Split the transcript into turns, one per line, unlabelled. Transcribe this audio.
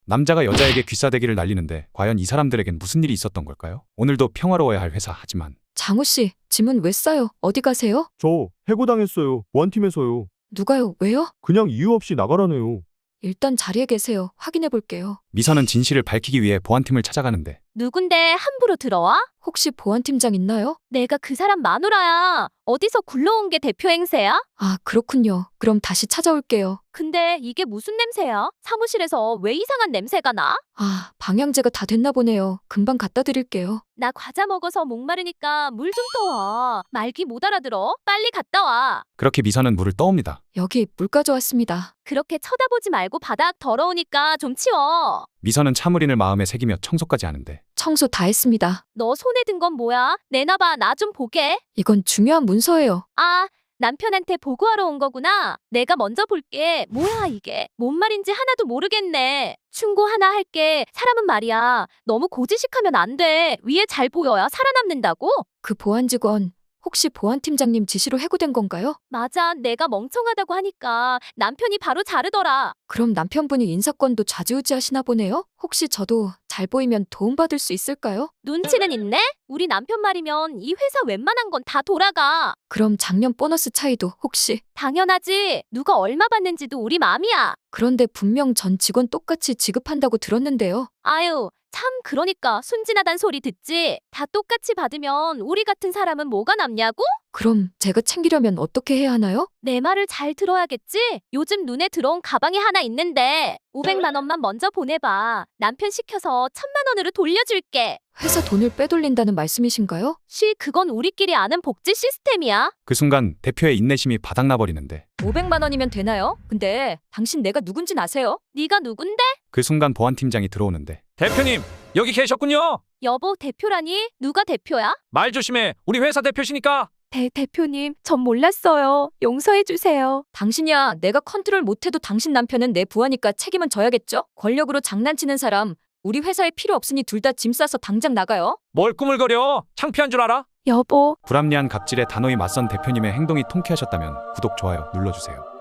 남자가 여자에게 귀싸대기를 날리는데 과연 이 사람들에겐 무슨 일이 있었던 걸까요? 오늘도 평화로워야 할 회사 하지만
장우 씨, 짐은 왜 싸요? 어디 가세요?
저 해고당했어요. 보안팀에서요.
누가요? 왜요?
그냥 이유 없이 나가라네요.
일단 자리에 계세요. 확인해 볼게요.
미선은 진실을 밝히기 위해 보안팀을 찾아가는데
누군데 함부로 들어와?
혹시 보안팀장 있나요?
내가 그 사람 마누라야. 어디서 굴러온 게 대표 행세야?
아, 그렇군요. 그럼 다시 찾아올게요.
근데 이게 무슨 냄새야? 사무실에서 왜 이상한 냄새가 나?
아, 방향제가 다 됐나 보네요. 금방 갖다 드릴게요.
나 과자 먹어서 목마르니까 물 좀 떠와. 말귀 못 알아들어. 빨리 갔다 와.
그렇게 미선은 물을 떠옵니다.
여기 물 가져왔습니다.
그렇게 쳐다보지 말고 바닥 더러우니까 좀 치워.
미선은 차무린을 마음에 새기며 청소까지 하는데
청소 다 했습니다.
너 손에 든 건 뭐야? 내놔봐. 나 좀 보게.
이건 중요한 문서예요.
아, 남편한테 보고하러 온 거구나. 내가 먼저 볼게. 뭐야 이게? 뭔 말인지 하나도 모르겠네. 충고 하나 할게. 사람은 말이야. 너무 고지식하면 안 돼. 위에 잘 보여야 살아남는다고?
그 보안 직원, 혹시 보안팀장님 지시로 해고된 건가요?
맞아. 내가 멍청하다고 하니까 남편이 바로 자르더라.
그럼 남편분이 인사권도 좌지우지하시나 보네요? 혹시 저도 잘 보이면 도움받을 수 있을까요?
눈치는 있네? 우리 남편 말이면 이 회사 웬만한 건 다 돌아가.
그럼 작년 보너스 차이도 혹시?
당연하지. 누가 얼마 받는지도 우리 맘이야.
그런데 분명 전 직원 똑같이 지급한다고 들었는데요.
아유, 참 그러니까 순진하단 소리 듣지. 다 똑같이 받으면 우리 같은 사람은 뭐가 남냐고?
그럼 제가 챙기려면 어떻게 해야 하나요?
내 말을 잘 들어야겠지? 요즘 눈에 들어온 가방이 하나 있는데 500만 원만 먼저 보내봐. 남편 시켜서 1000만 원으로 돌려줄게.
회사 돈을 빼돌린다는 말씀이신가요?
그건 우리끼리 아는 복지 시스템이야.
그 순간 대표의 인내심이 바닥나 버리는데
500만 원이면 되나요? 근데 당신 내가 누군진 아세요?
네가 누군데?
그 순간 보안팀장이 들어오는데
대표님, 여기 계셨군요.
여보, 대표라니? 누가 대표야?
말 조심해. 우리 회사 대표시니까.
대표님, 전 몰랐어요. 용서해 주세요.
당신이야. 내가 컨트롤 못해도 당신 남편은 내 부하니까 책임은 져야겠죠? 권력으로 장난치는 사람 우리 회사에 필요 없으니 둘 다 짐 싸서 당장 나가요.
뭘 꾸물거려? 창피한 줄 알아?
여보.
불합리한 갑질에 단호히 맞선 대표님의 행동이 통쾌하셨다면 구독, 좋아요 눌러주세요.